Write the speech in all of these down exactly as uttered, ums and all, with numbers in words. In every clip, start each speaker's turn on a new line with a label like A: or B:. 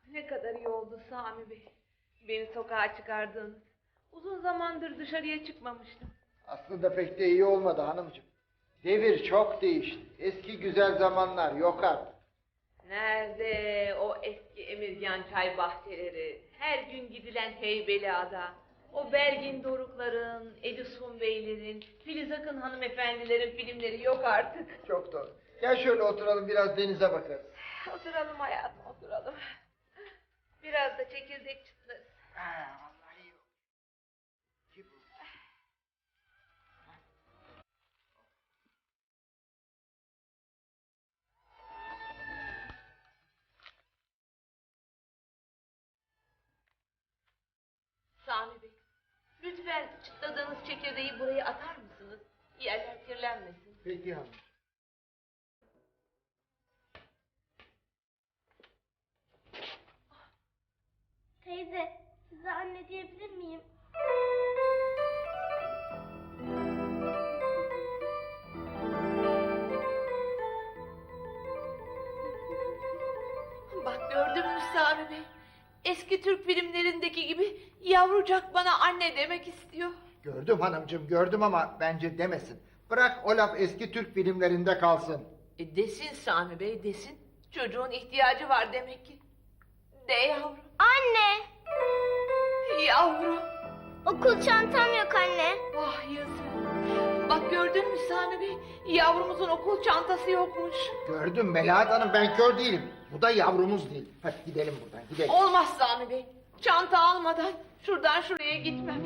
A: Ne kadar iyi oldu Sami Bey. Beni sokağa çıkardınız. Uzun zamandır dışarıya çıkmamıştım.
B: Aslında pek de iyi olmadı hanımcığım. Devir çok değişti. Eski güzel zamanlar yok artık.
A: Nerede o eski Emirgan çay bahçeleri, her gün gidilen Heybeliada, o Belgin Dorukların, Edison Beylerin, Filiz Akın hanımefendilerin filmleri yok artık.
B: Çok doğru. Gel şöyle oturalım biraz denize bakarız.
A: Oturalım hayatım, oturalım. Biraz da çekirdek çıtlarız.
B: Ha, vallahi iyi oldu. Kim bu?
A: Sami Bey, lütfen çıtladığınız çekirdeği buraya atar mısınız? Yerler kirlenmesin.
B: Peki hanım.
C: Teyze, size anne diyebilir miyim?
A: Bak gördün mü Sami Bey? Eski Türk filmlerindeki gibi yavrucak bana anne demek istiyor.
B: Gördüm hanımcığım gördüm ama bence demesin. Bırak o laf eski Türk filmlerinde kalsın.
A: E desin Sami Bey desin. Çocuğun ihtiyacı var demek ki. De yavrum.
C: Anne!
A: Yavrum.
C: Okul çantam yok anne.
A: Vah yazık. Bak gördün mü Sami Bey? Yavrumuzun okul çantası yokmuş.
B: Gördüm Melahat Hanım ben kör değilim. Bu da yavrumuz değil. Hadi gidelim buradan gidelim.
A: Olmaz Sami Bey. Çanta almadan şuradan şuraya gitmem.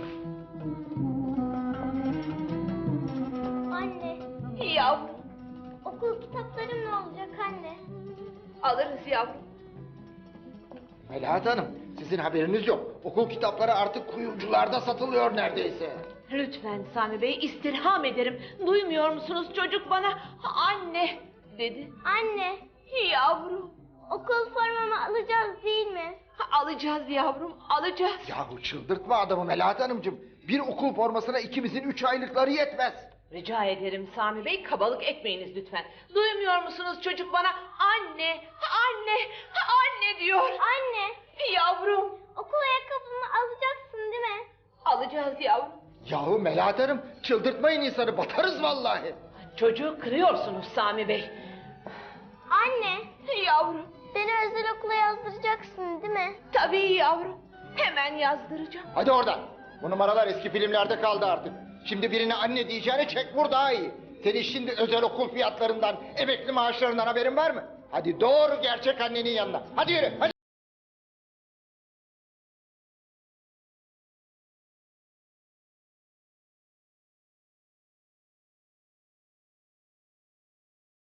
C: Anne,
A: Yavrum.
C: okul kitaplarım ne olacak anne?
A: Alırız yavrum.
B: Melahat Hanım sizin haberiniz yok. Okul kitapları artık kuyumcularda satılıyor neredeyse.
A: Lütfen Sami Bey istirham ederim. Duymuyor musunuz çocuk bana anne dedi.
C: Anne,
A: Yavrum.
C: okul formamı alacağız değil mi?
A: Alacağız yavrum alacağız.
B: Yahu çıldırtma adamı Melahat Hanımcığım. Bir okul formasına ikimizin üç aylıkları yetmez.
A: Rica ederim Sami Bey kabalık etmeyiniz lütfen. Duymuyor musunuz çocuk bana anne anne anne diyor.
C: Anne,
A: Yavrum.
C: okul ayakkabımı alacaksın değil mi?
A: Alacağız yavrum.
B: Yahu Melahat Hanım çıldırtmayın insanı batarız vallahi.
A: Çocuğu kırıyorsunuz Sami Bey.
C: Anne,
A: Yavrum.
C: beni özel okula yazdıracaksın değil mi?
A: Tabii yavrum. Hemen yazdıracağım.
B: Hadi oradan. Bu numaralar eski filmlerde kaldı artık. Şimdi birine anne diyeceğine çek vur daha iyi. Senin şimdi özel okul fiyatlarından, emekli maaşlarından haberin var mı? Hadi doğru gerçek annenin yanına. Hadi yürü hadi.